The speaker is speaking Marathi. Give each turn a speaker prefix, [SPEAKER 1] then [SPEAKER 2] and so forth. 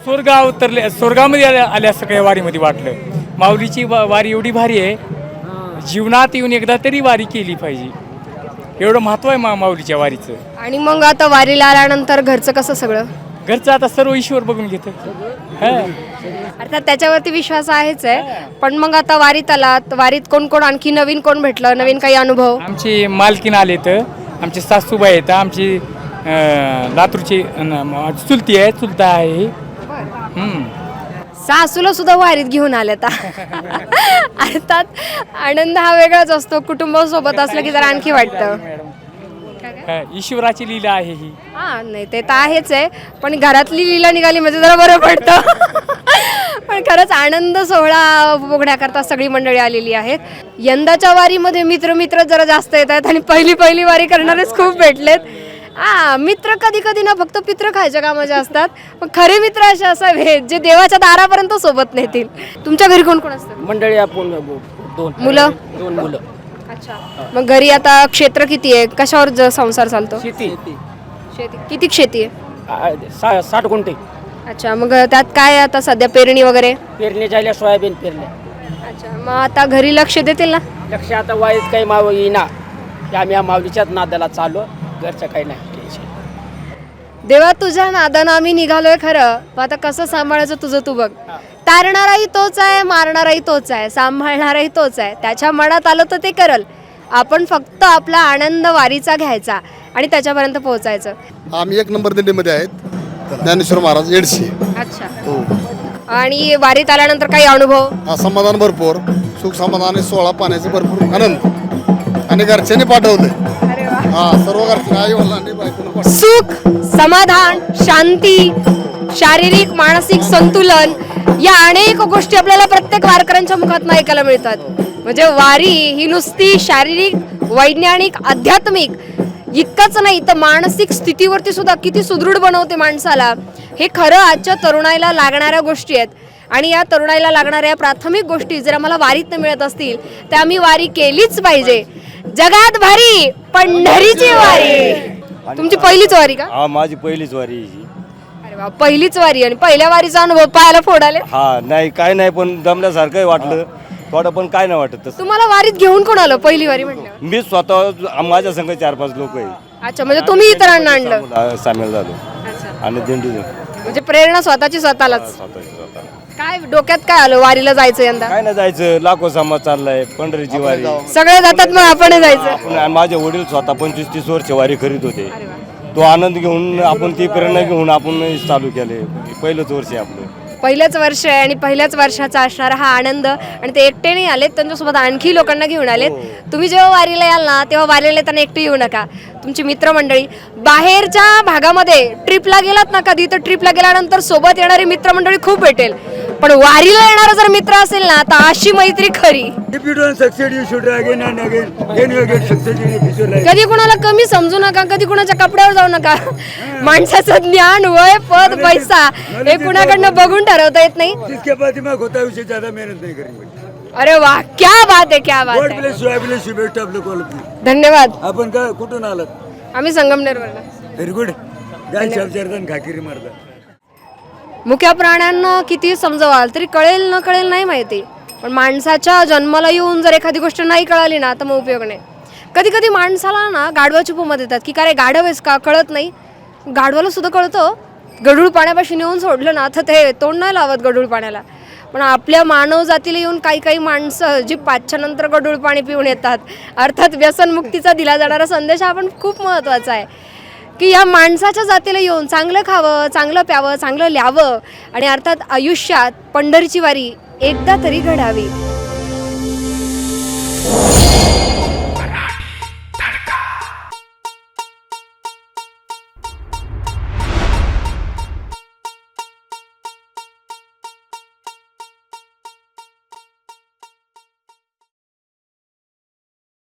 [SPEAKER 1] स्वर्गामध्ये आल्या असं काही वारीमध्ये वाटलं. माऊलीची वारी एवढी भारी आहे, जीवनात येऊन एकदा तरी वारी केली पाहिजे, एवढं महत्त्व आहे माऊलीच्या वारीचं.
[SPEAKER 2] आणि मग आता वारीला आल्यानंतर घरचं कसं सगळं?
[SPEAKER 1] घरचं आता सर्व ईश्वर बघून घेतं.
[SPEAKER 2] अर्थात त्याच्यावरती विश्वास आहेच आहे, पण मग आता वारीत आलात, वारीत कोण कोण आणखी नवीन कोण भेटलं, नवीन काही अनुभव?
[SPEAKER 1] आमची मालकीन आले तर, आमचे सासूबाई आहेत, आमची लातूरची चुलती आहे, चुलता आहे.
[SPEAKER 2] सासूला सुद्धा वारीत घेऊन आलेत. अर्थात आनंद हा वेगळाच असतो, कुटुंबासोबत असलं की जरा आणखी वाटतं.
[SPEAKER 1] ईश्वराची लीला आहे ही.
[SPEAKER 2] हा नाही ते तर आहेच आहे, पण घरातली लीला निघाली म्हणजे जरा बरं पडतं. पण खरंच आनंद सोहळा बघण्याकरता सगळी मंडळी आलेली आहेत. यंदाच्या वारीमध्ये मित्र जरा जास्त येत आहेत आणि पहिली वारी करणारेच खूप भेटलेत. मित्र कधी कधी ना फक्त पित्र खायच्या कामाचे असतात, पण खरे मित्र असे असावे जे देवाच्या दारापर्यंत सोबत नेतील. तुमच्या घरी कोण कोण असतं?
[SPEAKER 3] मंडळी आपण दोन
[SPEAKER 2] मुलं. अच्छा, मग घरी आता क्षेत्र किती आहे, कशावर संसार चालतो?
[SPEAKER 3] शेती
[SPEAKER 2] किती शेती आहे?
[SPEAKER 3] 60 गुंठे.
[SPEAKER 2] अच्छा, मग त्यात काय आता सध्या पेरणी वगैरे?
[SPEAKER 3] पेरणी झाल्या, सोयाबीन पेरल्या.
[SPEAKER 2] अच्छा, मग आता घरी लक्ष देतील ना?
[SPEAKER 3] लक्ष आता वाईट काही माव येईना, आम्ही या माऊलीच्याच नादाला चाललो, घरचं काही नाही.
[SPEAKER 2] देवा तुझ्या नादानं आम्ही निघालोय खरं, पण आता कसं सांभाळायचं तुझं तू बघ. तारणाराही तोच आहे, मारणाराही तोच आहे, सांभाळणाराही तोच आहे. त्याच्या मनात आलं तर ते करल. आपण फक्त आपला आनंद वारीचा घ्यायचा आणि त्याच्यापर्यंत पोहोचायचं.
[SPEAKER 4] आम्ही 1 नंबर दिंडीमध्ये आहेत, ज्ञानेश्वर महाराज येडशी.
[SPEAKER 2] अच्छा, आणि वारीत आल्यानंतर काही अनुभव?
[SPEAKER 4] समाधान भरपूर, सुख समाधान आणि सोळा पाण्याचे भरपूर आनंद, आणि घरच्यांनी पाठवले. सर्व घरच्यांनी, आई वडिलांनी, बायकोनं.
[SPEAKER 2] सुख, समाधान, शांती, शारीरिक मानसिक संतुलन, या अनेक गोष्टी आपल्याला प्रत्येक वारकऱ्यांच्या मुखातून ऐकायला मिळतात. म्हणजे वारी ही नुसती शारीरिक, वैज्ञानिक, आध्यात्मिक इतकंच नाही तर मानसिक स्थितीवरती सुद्धा किती सुदृढ बनवते माणसाला. हे खरं आजच्या तरुणाईला लागणाऱ्या गोष्टी आहेत. आणि या तरुणाईला लागणाऱ्या प्राथमिक गोष्टी जर आम्हाला वारीत मिळत असतील तर आम्ही वारी केलीच पाहिजे. जगात भारी पंढरीची वारी. तुमची पहिलीच वारी का?
[SPEAKER 5] हा, माझी पहिलीच वारी.
[SPEAKER 2] अरे वा, पहिलीच वारी. आणि पहिल्या वारीचा अनुभव पायाला फोडाले?
[SPEAKER 5] हा, नाही काय नाही, पण दमल्यासारखं वाटलं थोडं, पण काय नाही वाटत तसं.
[SPEAKER 2] तुम्हाला वारीत घेऊन कोण आलं पहिली वारी म्हटल्यावर?
[SPEAKER 5] मी स्वतः, माझ्या संघ 4-5 लोक आहे.
[SPEAKER 2] अच्छा, म्हणजे तुम्ही इतरांना आणलं?
[SPEAKER 5] सामील झालो.
[SPEAKER 2] अच्छा,
[SPEAKER 5] आणि दिंडी
[SPEAKER 2] म्हणजे प्रेरणा स्वतःची स्वतःलाच.
[SPEAKER 5] स्वतः
[SPEAKER 2] काय डोक्यात काय आलं वारीला जायचं यंदा?
[SPEAKER 5] काय नाही, जायचं. लाखो समाज चाललाय, पंढरीची वारी.
[SPEAKER 2] सगळे जातात, मग आपण जायचं.
[SPEAKER 5] आपण, माझे वडील स्वतः 25-30 वर्ष वारी करीत होते. तो आनंद घेऊन, आपण ती प्रेरणा घेऊन आपण चालू केले. पहिलंच वर्ष आहे आपलं.
[SPEAKER 2] पहिलंच वर्ष आहे आणि पहिल्याच वर्षाचा असणारा हा आनंद. आणि ते एकटे नाही आलेत, त्यांच्यासोबत आणखी लोकांना घेऊन आलेत. तुम्ही जेव्हा वारीला याल ना, तेव्हा वारीला येताना एकटे येऊ नका. तुमची मित्रमंडळी बाहेरच्या भागामध्ये ट्रिपला गेलात ना कधी, तर ट्रिपला गेल्यानंतर सोबत येणारी मित्रमंडळी खूप भेटेल. पण वारीला येणारा जर मित्र असेल ना, तर अशी मैत्री खरी. कधी कुणाला कमी समजू नका, कधी कुणाच्या कपड्यावर जाऊ नका. माणसाचं ज्ञान, वय, पद, पैसा हे कुणाकडनं बघून ठरवता येत नाही. अरे वा, क्या बात आहे, क्या बात आहे. धन्यवाद.
[SPEAKER 6] आपण का कुठून आलात?
[SPEAKER 2] आम्ही संगमनेरवरून.
[SPEAKER 6] Very good. खाकिरी मारता.
[SPEAKER 2] मुक्या प्राण्यांना किती समजवाल तरी कळेल न कळेल नाही माहिती, पण माणसाच्या जन्माला येऊन जर एखादी गोष्ट नाही कळाली ना तर मग उपयोग नाही. कधी कधी माणसाला ना गाढवाची उपमा देतात की काय गाढव आहेस का, कळत नाही. गाढवाला सुद्धा कळतं. गढूळ पाण्यापाशी नेऊन सोडलं ना तर ते तोंड नाही लावत गढूळ पाण्याला. पण आपल्या मानव जातीला येऊन काही माणसं जी 5च्या नंतर गढूळ पाणी पिऊन येतात. अर्थात व्यसनमुक्तीचा दिला जाणारा संदेश हा पण खूप महत्त्वाचा आहे की या माणसाच्या जातीला येऊन चांगलं खावं, चांगलं प्यावं, चांगलं ल्यावं आणि अर्थात आयुष्यात पंढरीची वारी एकदा तरी घडावी.